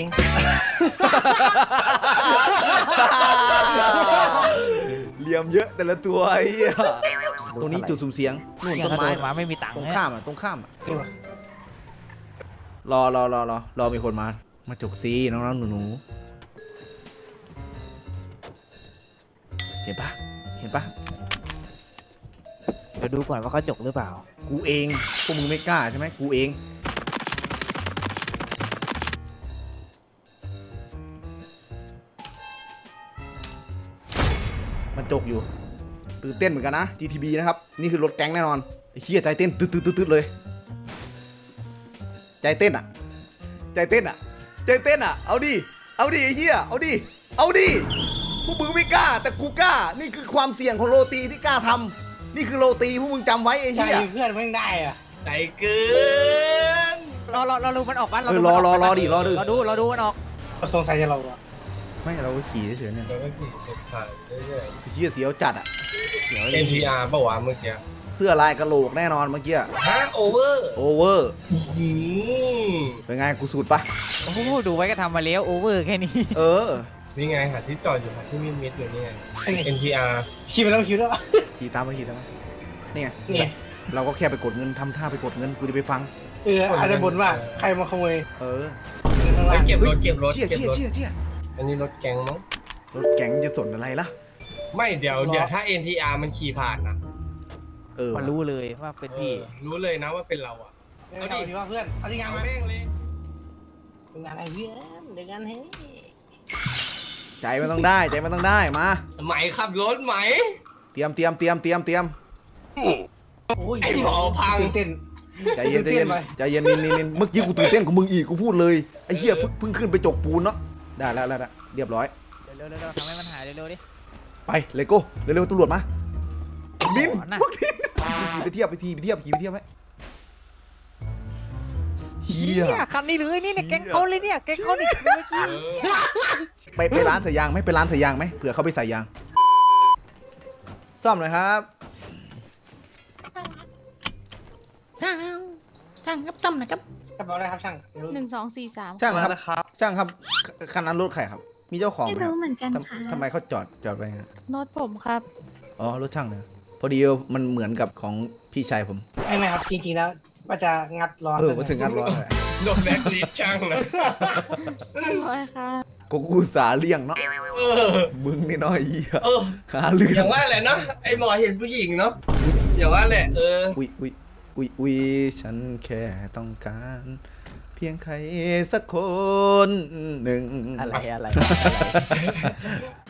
[SPEAKER 1] เหลี่ยมเยอะแต่ละตัวไอ้เหี้ยตรงนี้จุดสุ่มเสียงนู่น
[SPEAKER 2] เนี่ย
[SPEAKER 1] ต้น
[SPEAKER 2] ถ้า
[SPEAKER 1] ไม้
[SPEAKER 2] โดนมาไม่มีตังค์
[SPEAKER 1] ตรง
[SPEAKER 2] เนี่ย
[SPEAKER 1] ข้ามอ่ะตรงข้ามอ่ะรอรอรอรอรอมีคนมามาจกซีน้องๆหนูๆเห็นปะเห็นปะ
[SPEAKER 2] เดี๋ยวดูก่อนว่าเขาจกหรือเปล่า
[SPEAKER 1] กูเองพวกมึงไม่กล้าใช่ไหมกูเองมันจกอยู่ตื่นเต้นเหมือนกันนะ จี ที บี นะครับนี่คือรถแก๊งแน่นอนไอ้เหี้ยใจเต้นตึ๊ดตึ๊ดตึ๊ดตึ๊ดเลย ใจเต้นอ่ะ ใจเต้นอ่ะ ใจเต้นอ่ะ เอาดิ เอาดิไอ้เหี้ย เอาดิ เอาดิ พวกมึงไม่กล้า แต่กูกล้า นี่คือความเสี่ยงของโรตีที่กล้าทำนี่คือโรตีพวกมึงจำไว้ไอ้
[SPEAKER 4] ใช่
[SPEAKER 1] เหี้ย
[SPEAKER 4] เพื่อนไม่ได้อ่ะ
[SPEAKER 3] ใจเกิน
[SPEAKER 2] รอรอรอดูมันออกปะ
[SPEAKER 1] เออรอรอรอดิรอดิ
[SPEAKER 2] รอดูรอดูมันออก
[SPEAKER 4] สงสัยจะเราอ่ะ
[SPEAKER 1] ไม่เราก็ขี่เฉยๆเนี่ย
[SPEAKER 3] แล้วก็ขี่ติดผ่านเรื่อย
[SPEAKER 1] ไอ้เหี้ยเสียวจัดอ่ะเสียว
[SPEAKER 3] ๆ
[SPEAKER 1] เลย
[SPEAKER 3] เอ็น พี อาร์ ป่าวะเมื่อกี้
[SPEAKER 1] เสื้อลายกระโหลกแน่นอนเมื่อกี้
[SPEAKER 3] ฮะโอเวอร์
[SPEAKER 1] โอเวอร์
[SPEAKER 3] หืม
[SPEAKER 1] เป็นไงกูสูตรปะ
[SPEAKER 2] โอ้โหดูไว้ก็ทำมาแล้วโอเวอร์แค่นี้
[SPEAKER 1] เออ
[SPEAKER 3] นี่ไงหาที่จอดอยู่หาที่มิดมิดอยู่นี่ไง
[SPEAKER 4] ไอ้นี่
[SPEAKER 3] เอ็น พี อาร์
[SPEAKER 4] คิดไปแล้วคิดแล้ว
[SPEAKER 1] ขี่ตามไปขี่ตามไปนี่ไง
[SPEAKER 4] นี่
[SPEAKER 1] เราก็แค่ไปกดเงินทำท่าไปกดเงินกูจะไปฟัง
[SPEAKER 4] เอออาจจะบ่นว่าใครมาขโมย
[SPEAKER 1] เออ
[SPEAKER 4] ข้าง
[SPEAKER 3] ไป
[SPEAKER 4] ล่าง
[SPEAKER 3] เก็บรถเก็บรถ
[SPEAKER 1] เชี่ย
[SPEAKER 3] เก็บ
[SPEAKER 1] เชี่ย
[SPEAKER 3] รถ
[SPEAKER 1] เชี่ยเชี่ย
[SPEAKER 3] อันนี้รถแก๊งมั้ง
[SPEAKER 1] รถแก๊งจะสนอะไรล่ะ
[SPEAKER 3] ไม่เดี๋ยวเดี๋ยวถ้า เอ็น ที อาร์ มันขี่ผ่านนะ
[SPEAKER 1] เออ
[SPEAKER 2] มันรู้เลยว่าเป็นพี่
[SPEAKER 3] เออรู้เลยนะว่าเป็นเราอ่ะ
[SPEAKER 4] เอาดิดีว่าเพื่อนเอาที่งาน
[SPEAKER 3] เอา
[SPEAKER 4] มา
[SPEAKER 3] แม่งเลย
[SPEAKER 4] งานอะไรเพื่อนเดี๋ยวงานให้
[SPEAKER 1] ใจมันต้องได้ใจมันต้องได้มา
[SPEAKER 3] ไหมขับรถไหม
[SPEAKER 1] เตรียมเตรียมเตรียมเตรียมเตรียม
[SPEAKER 4] โอ้ย
[SPEAKER 3] ไอ้หมอพัง
[SPEAKER 4] ตื่นเต้น
[SPEAKER 1] ใจเย็นใจเย็น
[SPEAKER 4] ตื่นเต้นไป
[SPEAKER 1] ใจเย็นนินนินนินเมื่อกี้กูตื่นเต้นกับมึงอีกกูพูดเลยไอ้เหี้ยเพิ่งเพิ่งขึ้นไปจกปูนเนาะได้แล้วแล้วแล้วเรียบร้อย
[SPEAKER 2] เร็วๆเร็วๆทำให้มันหายเร็วๆดิ
[SPEAKER 1] ไปเลโก้เร็วๆตำรวจมานิน
[SPEAKER 2] ก่อนนะ
[SPEAKER 1] พวกนินขี่ไปเทียบไปทีไปเทียบขี่ไปเทียบไหมเฮีย
[SPEAKER 2] เนี่ยคันนี้เลยนี่เนี่ยแก๊งเขาเลยเนี่ยแก๊งเขาเนี่ยเมื่อกี้
[SPEAKER 3] เออ
[SPEAKER 1] ไปไปร้านใส่ยางไหมไปร้านใส่ยางไหมเผื่อเขาไปใส่ยางซ่อมหน่อยครับ
[SPEAKER 5] ทางทช่างครับต้อมหน่อยครับ
[SPEAKER 4] กระเป๋าอะไรครับช่าง
[SPEAKER 8] หนึ่งสองสี่สาม
[SPEAKER 1] ช่างครับช่างครับคันนั้นรถใครครับ มีเจ้าของ
[SPEAKER 8] ไม่
[SPEAKER 1] ไหมค
[SPEAKER 8] รู้
[SPEAKER 1] รับ
[SPEAKER 8] เหมือนกัน
[SPEAKER 1] ทำ
[SPEAKER 8] ค่ะ
[SPEAKER 1] ทำไมเขาจอดจอดไปงั้น
[SPEAKER 8] โน้ตผมครับ
[SPEAKER 1] อ๋อรถช่างเนี่ยพอดีมันเหมือนกับของพี่ชายผม
[SPEAKER 4] ไม่ไม่ครับจริงๆแล้วว่าจะงัดล้อ
[SPEAKER 1] เออมาถึงงานร้อนเลย
[SPEAKER 3] โดนแบ็คลิสต์ช่างนะ
[SPEAKER 8] โอ้ยค่ะ
[SPEAKER 1] กูกูสาเลี่ยงเนาะ
[SPEAKER 3] เออ
[SPEAKER 1] มึงนี่น้อยเหี้ย
[SPEAKER 3] เออ
[SPEAKER 1] หาเรื่อ
[SPEAKER 3] อย่าง งว่าแหละเนาะไอหมอเห็นผู้หญิงเนาะอย่างว่าแหละเออ
[SPEAKER 1] อุ้ยอุ้ยอุ้ยอุ้ยฉันแค่ต้องการ เพียงใครสักคนหนึ่ง
[SPEAKER 2] อะไรอะไรอะไร